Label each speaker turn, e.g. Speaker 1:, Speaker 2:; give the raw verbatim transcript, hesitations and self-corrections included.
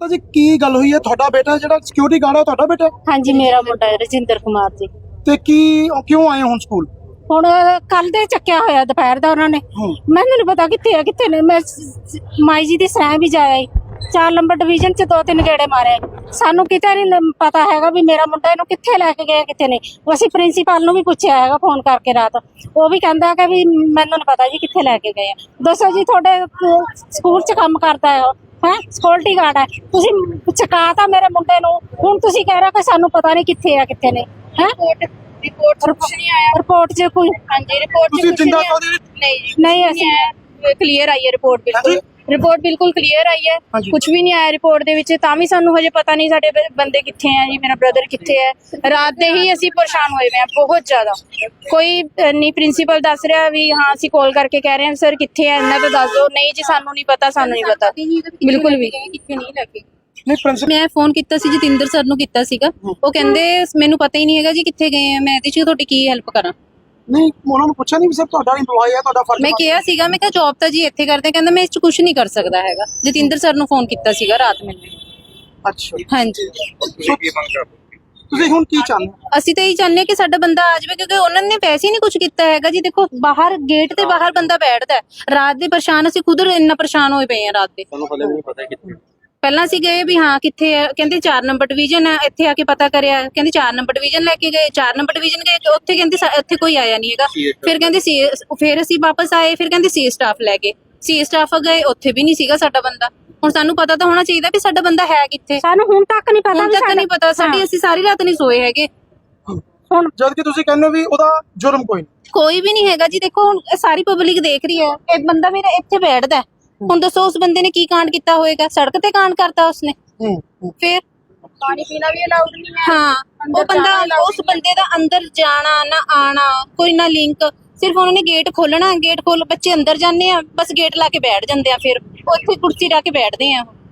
Speaker 1: ਮਾਤਾ जी की गल हुई है? ਤੁਹਾਡਾ ਬੇਟਾ ਜਿਹੜਾ ਸਿਕਿਉਰਿਟੀ ਗਾਰਡ ਹੈ ਤੁਹਾਡਾ ਬੇਟਾ?
Speaker 2: हाँ जी मेरा मुंडा है रजिंदर कुमार जी।
Speaker 1: ਤੇ ਕੀ ਕਿਉਂ ਆਏ ਹੁਣ ਸਕੂਲ?
Speaker 2: ਹੁਣ ਕੱਲ ਦੇ ਚੱਕਿਆ ਹੋਇਆ ਦੁਪਹਿਰ ਦਾ ਉਹਨਾਂ ਨੇ। ਮੈਨੂੰ ਨਹੀਂ ਪਤਾ ਕਿੱਥੇ ਆ ਕਿੱਥੇ ਨੇ। ਮੈਂ ਮਾਈ ਜੀ ਦੀ ਸਰਾਂ ਵੀ ਜਾਇਆ ਚਾਰ ਨੰਬਰ ਡਿਵੀਜ਼ਨ ਚ ਦੋ ਤਿੰਨ ਗੇੜੇ ਮਾਰੇ। ਸਾਨੂੰ ਕਿਤੇ ਨਹੀਂ ਪਤਾ ਹੈਗਾ ਵੀ ਮੇਰਾ ਮੁੰਡਾ ਇਹਨੂੰ ਕਿੱਥੇ ਲੈ ਕੇ ਗਏ ਕਿੱਥੇ ਨਹੀਂ। ਅਸੀਂ ਪ੍ਰਿੰਸੀਪਲ ਨੂੰ ਵੀ ਪੁੱਛਿਆ ਹੈਗਾ ਫੋਨ ਕਰਕੇ ਰਾਤ, ਉਹ ਵੀ ਕਹਿੰਦਾ ਕਿ ਵੀ ਮੈਨੂੰ ਨਹੀਂ ਪਤਾ ਜੀ ਕਿੱਥੇ ਲੈ ਕੇ ਗਏ ਆ। ਦੱਸੋ ਜੀ ਤੁਹਾਡੇ ਸਕੂਲ ਚ ਕੰਮ ਕਰਦਾ ਹੈ ਹੈ ਸਿਕਿਉਰਿਟੀ ਗਾਰਡ ਹੈ, ਤੁਸੀਂ ਚਕਾਤਾ ਮੇਰੇ ਮੁੰਡੇ ਨੂੰ, ਹੁਣ ਤੁਸੀਂ ਕਹਿ ਰਹੇ ਕਿ ਸਾਨੂੰ ਪਤਾ ਨਹੀਂ ਕਿੱਥੇ ਆ ਕਿੱਥੇ ਨਹੀਂ ਹੈ।
Speaker 3: रिपोर्ट से कुछ नहीं आया।
Speaker 2: रिपोर्ट से कोई
Speaker 3: हाँ जी रिपोर्ट से कुछ नहीं आया। नहीं जी
Speaker 2: नहीं ऐसे
Speaker 3: क्लियर आई है रिपोर्ट, बिल्कुल रिपोर्ट बिल्कुल क्लियर आई है। कुछ भी नहीं आया रिपोर्ट ਦੇ ਵਿੱਚ, ਤਾਂ ਵੀ ਸਾਨੂੰ ਹਜੇ ਪਤਾ ਨਹੀਂ ਸਾਡੇ ਬੰਦੇ ਕਿੱਥੇ ਆ ਜੀ, ਮੇਰਾ ਬ੍ਰਦਰ ਕਿੱਥੇ ਹੈ। ਰਾਤ ਦੇ ਹੀ ਅਸੀਂ ਪਰੇਸ਼ਾਨ ਹੋਏ ਹੋਏ ਆ ਬਹੁਤ ਜ਼ਿਆਦਾ। ਕੋਈ ਨਹੀਂ ਪ੍ਰਿੰਸੀਪਲ ਦੱਸ ਰਿਹਾ ਵੀ ਹਾਂ ਅਸੀਂ ਕਾਲ ਕਰਕੇ ਕਹਿ ਰਹੇ ਹਾਂ ਸਰ ਕਿੱਥੇ ਹੈ ਇਹਨਾਂ ਤੋਂ ਦੱਸ ਦਿਓ। ਨਹੀਂ ਜੀ ਸਾਨੂੰ ਨਹੀਂ ਪਤਾ, ਸਾਨੂੰ ਨਹੀਂ ਪਤਾ ਬਿਲਕੁਲ ਵੀ ਕਿੱਥੇ ਨਹੀਂ ਲੈ ਕੇ।
Speaker 1: ਨਹੀਂ ਪ੍ਰਿੰਸੀਪਲ
Speaker 4: ਮੈਂ ਫੋਨ ਕੀਤਾ ਸੀ ਜਤਿੰਦਰ ਸਰ ਨੂੰ ਕੀਤਾ ਸੀਗਾ, ਉਹ ਕਹਿੰਦੇ ਮੈਨੂੰ ਪਤਾ ਹੀ ਨਹੀਂ ਹੈਗਾ ਜੀ ਕਿੱਥੇ ਗਏ ਆ, ਮੈਂ ਇਹਦੇ 'ਚ ਤੁਹਾਡੀ ਕੀ ਹੈਲਪ ਕਰਾਂ।
Speaker 1: ਨਹੀਂ ਉਹਨਾਂ ਨੂੰ ਪੁੱਛਿਆ ਨਹੀਂ ਵੀ ਸਰ ਤੁਹਾਡਾ ਇੰਪਲੋਈ ਹੈ ਤੁਹਾਡਾ ਫਰਜ਼?
Speaker 4: ਮੈਂ ਕਿਹਾ ਸੀਗਾ, ਮੈਂ ਕਿਹਾ ਜੌਬ ਤਾਂ ਜੀ ਇੱਥੇ ਕਰਦੇ, ਕਹਿੰਦਾ ਮੈਂ ਇਸ 'ਚ ਕੁਝ ਨਹੀਂ ਕਰ ਸਕਦਾ ਹੈਗਾ। ਜਤਿੰਦਰ ਸਰ ਨੂੰ ਫੋਨ ਕੀਤਾ ਸੀਗਾ ਰਾਤ ਮੈਨੂੰ।
Speaker 1: ਅੱਛਾ
Speaker 4: ਹਾਂਜੀ
Speaker 1: ਤੁਸੀਂ ਹੁਣ ਕੀ ਚਾਹੁੰਦੇ ਹੋ?
Speaker 4: ਅਸੀਂ ਤਾਂ ਇਹ ਚਾਹੁੰਦੇ ਹਾਂ ਕਿ ਸਾਡਾ ਬੰਦਾ ਆ ਜਾਵੇ, ਕਿਉਂਕਿ ਉਹਨਾਂ ਨੇ ਪੈਸੇ ਹੀ ਨਹੀਂ ਕੁਝ ਕੀਤਾ ਹੈਗਾ ਜੀ। ਦੇਖੋ ਬਾਹਰ ਗੇਟ ਤੇ ਬਾਹਰ ਬੰਦਾ ਬੈਠਦਾ ਹੈ ਰਾਤ ਦੇ, ਪਰੇਸ਼ਾਨ ਅਸੀਂ ਖੁਦ ਇੰਨਾ ਪਰੇਸ਼ਾਨ ਹੋਏ ਪਏ ਆ ਰਾਤ ਦੇ।
Speaker 5: ਤੁਹਾਨੂੰ ਹਲੇ ਵੀ ਨਹੀਂ ਪਤਾ ਕਿੱਥੇ।
Speaker 4: ਪਹਿਲਾਂ ਅਸੀਂ ਗਏ ਵੀ ਹਾਂ ਕਿੱਥੇ ਹੈ, ਕਹਿੰਦੇ ਚਾਰ ਨੰਬਰ ਡਿਵੀਜ਼ਨ ਹੈ, ਇੱਥੇ ਆ ਕੇ ਪਤਾ ਕਰਿਆ ਕਹਿੰਦੇ ਚਾਰ ਨੰਬਰ ਡਿਵੀਜ਼ਨ ਲੈ ਕੇ ਗਏ, ਚਾਰ ਨੰਬਰ ਡਿਵੀਜ਼ਨ ਗਏ ਉੱਥੇ ਕਹਿੰਦੇ ਇੱਥੇ ਕੋਈ ਆਇਆ ਨਹੀਂ ਹੈਗਾ। ਫਿਰ ਕਹਿੰਦੇ ਸੀ, ਫਿਰ ਅਸੀਂ ਵਾਪਸ ਆਏ, ਫਿਰ ਕਹਿੰਦੇ ਸੀ ਸਟਾਫ ਲੈ ਗਏ, ਸੀ ਸਟਾਫ ਗਏ ਉੱਥੇ ਵੀ ਨਹੀਂ ਸੀਗਾ ਸਾਡਾ ਬੰਦਾ। ਹੁਣ ਸਾਨੂੰ ਪਤਾ ਤਾਂ ਹੋਣਾ ਚਾਹੀਦਾ ਵੀ ਸਾਡਾ ਬੰਦਾ ਹੈ ਕਿੱਥੇ।
Speaker 2: ਸਾਨੂੰ ਹੁਣ ਤੱਕ ਨਹੀਂ ਪਤਾ,
Speaker 4: ਹੁਣ ਤੱਕ ਨਹੀਂ ਪਤਾ ਸਾਡੀ, ਅਸੀਂ ਸਾਰੀ ਰਾਤ ਨਹੀਂ ਸੋਏ ਹੈਗੇ।
Speaker 1: ਹੁਣ ਜਦ ਕਿ ਤੁਸੀਂ ਕਹਿੰਦੇ ਹੋ ਵੀ ਉਹਦਾ ਜੁਰਮ ਕੋਈ ਨਹੀਂ,
Speaker 4: ਕੋਈ ਵੀ ਨਹੀਂ ਹੈਗਾ ਜੀ। ਦੇਖੋ ਹੁਣ ਸਾਰੀ ਪਬਲਿਕ ਦੇਖ ਰਹੀ ਹੈ, ਇਹ ਬੰਦਾ ਮੇਰਾ ਇੱਥੇ ਬੈਠਦਾ, ਹੁਣ ਦੱਸੋ ਉਸ ਬੰਦੇ ਨੇ ਕੀ ਕਾਂਡ ਕੀਤਾ ਹੋਏਗਾ? ਸੜਕ ਤੇ ਕਾਂਡ ਕਰਤਾ ਉਸਨੇ। ਫਿਰ
Speaker 3: ਪਾਣੀ ਪੀਣਾ ਵੀ ਅਲਾਉਡ ਨਹੀਂ ਹੈ।
Speaker 4: ਹਾਂ ਉਹ ਬੰਦਾ, ਉਸ ਬੰਦੇ ਦਾ ਅੰਦਰ ਜਾਣਾ ਨਾ ਆਣਾ ਕੋਈ ਨਾ ਲਿੰਕ, ਸਿਰਫ ਉਹਨਾਂ ਨੇ ਗੇਟ ਖੋਲਣਾ, ਗੇਟ ਖੋਲ ਬੱਚੇ ਅੰਦਰ ਜਾਂਦੇ ਆ, ਬਸ ਗੇਟ ਲਾ ਕੇ ਬੈਠ ਜਾਂਦੇ ਆ, ਫਿਰ ਉੱਥੇ ਕੁਰਸੀ ਲਾ ਕੇ ਬੈਠਦੇ ਆ।